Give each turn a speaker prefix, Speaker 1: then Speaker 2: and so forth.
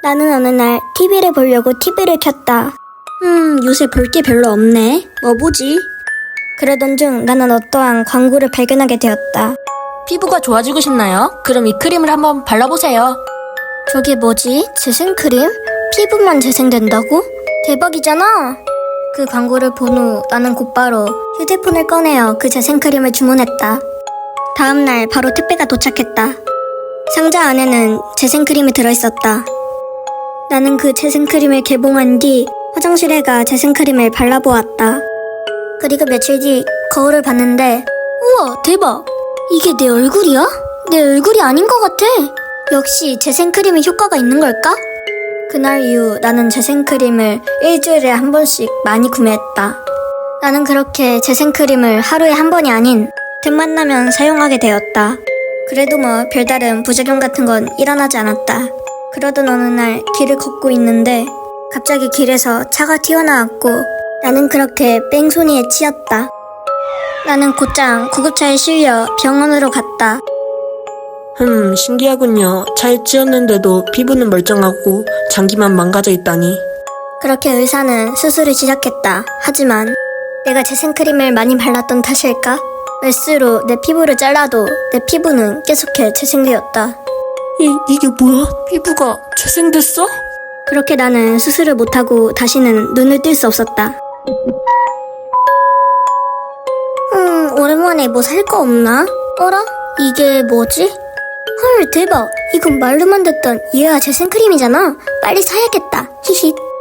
Speaker 1: 나는 어느 날 TV를 보려고 TV를 켰다. 요새 볼 게 별로 없네. 뭐 보지? 그러던 중 나는 어떠한 광고를 발견하게 되었다.
Speaker 2: 피부가 좋아지고 싶나요? 그럼 이 크림을 한번 발라보세요.
Speaker 1: 저게 뭐지? 재생크림? 피부만 재생된다고? 대박이잖아! 그 광고를 본 후 나는 곧바로 휴대폰을 꺼내어 그 재생크림을 주문했다. 다음날 바로 택배가 도착했다. 상자 안에는 재생크림이 들어있었다. 나는 그 재생크림을 개봉한 뒤 화장실에 가 재생크림을 발라보았다. 그리고 며칠 뒤 거울을 봤는데 우와 대박! 이게 내 얼굴이야? 내 얼굴이 아닌 것 같아. 역시 재생크림이 효과가 있는 걸까? 그날 이후 나는 재생크림을 일주일에 한 번씩 많이 구매했다. 나는 그렇게 재생크림을 하루에 한 번이 아닌 틈만 나면 사용하게 되었다. 그래도 뭐 별다른 부작용 같은 건 일어나지 않았다. 그러던 어느 날 길을 걷고 있는데 갑자기 길에서 차가 튀어나왔고 나는 그렇게 뺑소니에 치였다. 나는 곧장 구급차에 실려 병원으로 갔다.
Speaker 3: 신기하군요. 차에 치였는데도 피부는 멀쩡하고 장기만 망가져 있다니.
Speaker 1: 그렇게 의사는 수술을 시작했다. 하지만 내가 재생크림을 많이 발랐던 탓일까? 메스로 내 피부를 잘라도 내 피부는 계속해 재생되었다.
Speaker 3: 이게 뭐야? 피부가 재생됐어?
Speaker 1: 그렇게 나는 수술을 못하고 다시는 눈을 뜰 수 없었다. 오랜만에 뭐 살 거 없나? 어라? 이게 뭐지? 헐 대박! 이건 말로만 듣던 이해아 재생크림이잖아. 빨리 사야겠다. 히힛.